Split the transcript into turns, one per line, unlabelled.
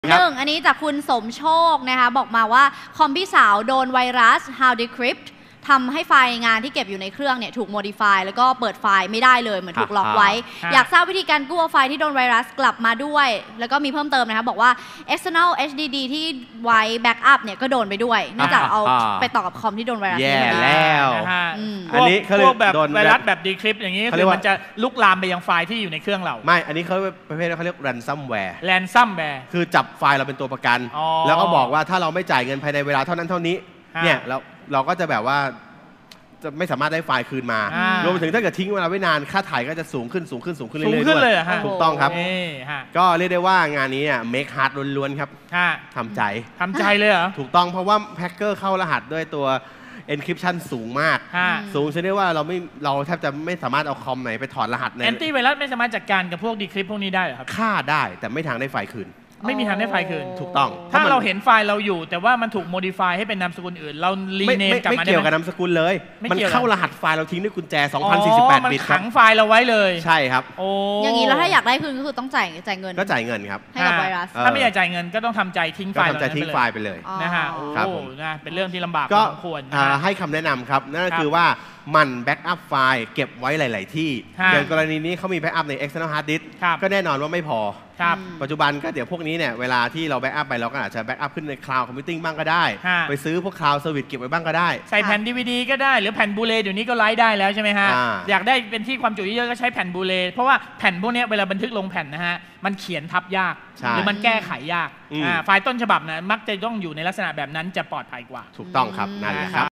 อันนี้จากคุณสมโชคนะคะบอกมาว่าคอมพี่สาวโดนไวรัส How Decrypt ทำให้ไฟล์งานที่เก็บอยู่ในเครื่องเนี่ยถูก modify แล้วก็เปิดไฟล์ไม่ได้เลยเหมือนถูกล็อกไว้อยากทราบวิธีการกู้เอาไฟล์ที่โดนไวรัสกลับมาด้วยแล้วก็มีเพิ่มเติมนะคะบอกว่า external HDD ที่ไว้ backup เนี่ยก็โดนไปด้วยเนื่องจากเอาไปต่อกับคอมที่โดนไวรัสแย่
แล้ว
อันนี้เขาพวกแบบไวรัสแบบ decrypt อย่างนี้คือมันจะลุกลามไปยังไฟล์ที่อยู่ในเครื่องเรา
ไม่อันนี้เขาประเภทเขาเรียก ransomware คือจับไฟล์เราเป็นตัวประกันแล้วก็บอกว่าถ้าเราไม่จ่ายเงินภายในเวลาเท่านั้นเท่านี้เนี่ยเราก็จะแบบว่าจะไม่สามารถได้ไฟล์คืนมารวมไปถึงถ้าเกิดทิ้งเวลาไว้นานค่าถ่ายก็จะสูงขึ้นเรื่อยๆด้วยถูกต้องครับก็เรียกได้ว่างานนี้make hard ล้วนๆครับทำใจ
เลยเหรอ
ถูกต้องเพราะว่าแฮกเกอร์เข้ารหัสด้วยตัว encryption สูงมากสูงชนิดว่าเราแทบจะไม่สามารถเอาคอมไหนไปถอดรหัสใน
แอนตี้ไวรัสไม่สามารถจัดการกับพวก decrypt พวกนี้ได้เหรอครับ
ฆ่าได้แต่ไม่ทางได้ไฟล์คืน
ไม่มีทางได้ไฟล์คืน
ถูกต้อง
ถ้าเราเห็นไฟล์เราอยู่แต่ว่ามันถูก modify ให้เป็นนามสกุลอื่นเรารีเนมกลับมาได้ไหม
ไม่เกี่ยวกับนามสกุลเลยมันเข้ารหัสไฟล์เราทิ้งด้วยกุญแจ2048 บิต
มันขังไฟล์เราไว้เลย
ใช่ครับ
อย่างนี้แล้วถ้าอยากได้คืนก็คือต้องจ่ายเงิน
ก็จ่ายเงินครับ
ให้กับไวรัส
ถ้าไม่อยากจ่ายเงินก็ต้องทำใจทิ้งไฟล์
ไปเลย
นะฮะโอ้นะเป็นเรื่องที่ลำบากพอสมควร
ให้คำแนะนำครับนั่นก็คือว่ามันแบ็กอัพไฟล์เก็บไว้หลายๆที่อย่างกรณีนี้เขามีแบ็กอัพใน external hard disk ก็แน่นอนว่าไม่พอปัจจุบันก็เดี๋ยวพวกนี้เนี่ยเวลาที่เราแบ็กอัพไปเราก็อาจจะแบ็กอัพขึ้นใน cloud computing บ้างก็ได้ไปซื้อพวก cloud service เก็บไว้บ้างก็ได้
ใส่แผ่น DVD ก็ได้หรือแผ่นบูเลเดี๋ยวนี้ก็ไลฟ์ได้แล้วใช่ไหมฮะอยากได้เป็นที่ความจุเยอะๆก็ใช้แผ่นบูเลเพราะว่าแผ่นพวกนี้เวลาบันทึกลงแผ่นนะฮะมันเขียนทับยากหรือมันแก้ไขยากไฟล์ต้นฉบับนะมักจะต้องอยู่ในลักษณะแบบนั้นจะปลอดภัยกว่า
ถูกต้องครับนั่นแหละครับ